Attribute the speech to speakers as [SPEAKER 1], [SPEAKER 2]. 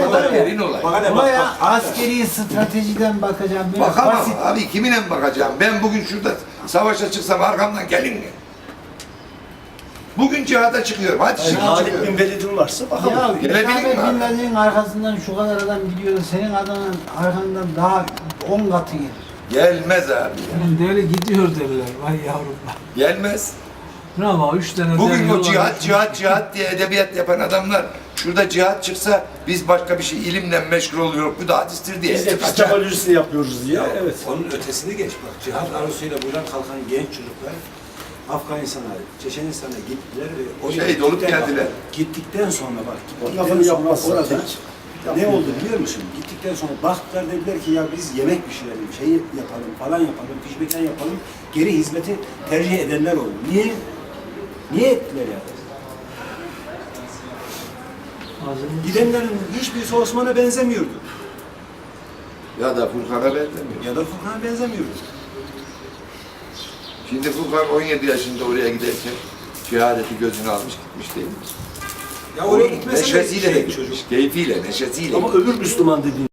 [SPEAKER 1] derin olay.
[SPEAKER 2] Olaya askeri stratejiden bakacağım. Böyle
[SPEAKER 1] Bakamam
[SPEAKER 2] basit.
[SPEAKER 1] abi, kiminle bakacağım? Ben bugün şurada savaşa çıksam arkamdan gelin mi? Bugün cihada çıkıyorum. Hadi şimdi
[SPEAKER 3] Halid
[SPEAKER 1] çıkıyorum.
[SPEAKER 3] bin Velid'in varsa bakalım.
[SPEAKER 2] Ya
[SPEAKER 1] Gelebilir mi
[SPEAKER 2] Hüsame
[SPEAKER 1] abi?
[SPEAKER 2] Bin Laden'in arkasından şu kadar adam gidiyor. Senin adamın arkandan daha 10 katı gelir.
[SPEAKER 1] Gelmez abi.
[SPEAKER 4] Yani böyle gidiyor derler. Vay yavrum.
[SPEAKER 1] Gelmez.
[SPEAKER 4] Bravo, 3 tane
[SPEAKER 1] Bugün
[SPEAKER 4] dev
[SPEAKER 1] o
[SPEAKER 4] yol var.
[SPEAKER 1] cihat diye edebiyat yapan adamlar şurada cihat çıksa biz başka bir şey ilimle meşgul oluyoruz. Bu da hadistir diye.
[SPEAKER 3] Biz epistemolojisini yapıyoruz diye. Evet.
[SPEAKER 5] Onun ötesini geç bak. Cihat arzusuyla buradan kalkan genç çocuklar Afganistan'a, Çeçenistan'a gittiler ve
[SPEAKER 1] Şehit olup geldiler.
[SPEAKER 5] Gittikten sonra bak,
[SPEAKER 3] Lafını
[SPEAKER 5] gittikten sonra
[SPEAKER 3] yapmazsa
[SPEAKER 5] orada
[SPEAKER 3] hiç.
[SPEAKER 5] ne oldu biliyor musun? Gittikten sonra baktılar, dediler ki ya biz yemek pişirelim, şey yapalım, falan yapalım, pişmekten yapalım. Geri hizmeti tercih edenler oldu. Niye? Niye ettiler yani? Gidenlerin hiçbirisi Osman'a benzemiyordu.
[SPEAKER 1] Ya da Furkan'a benzemiyor.
[SPEAKER 5] Ya da Furkan'a benzemiyordu.
[SPEAKER 1] Şimdi Furkan 17 yaşında oraya giderken şehadeti gözüne almış gitmiş değil mi?
[SPEAKER 5] Ya oraya
[SPEAKER 1] Onun
[SPEAKER 5] gitmese de
[SPEAKER 1] neşesiyle de
[SPEAKER 5] şey,
[SPEAKER 1] gitmiş. Keyfiyle, neşesiyle.
[SPEAKER 3] Ama öbür Müslüman dediğin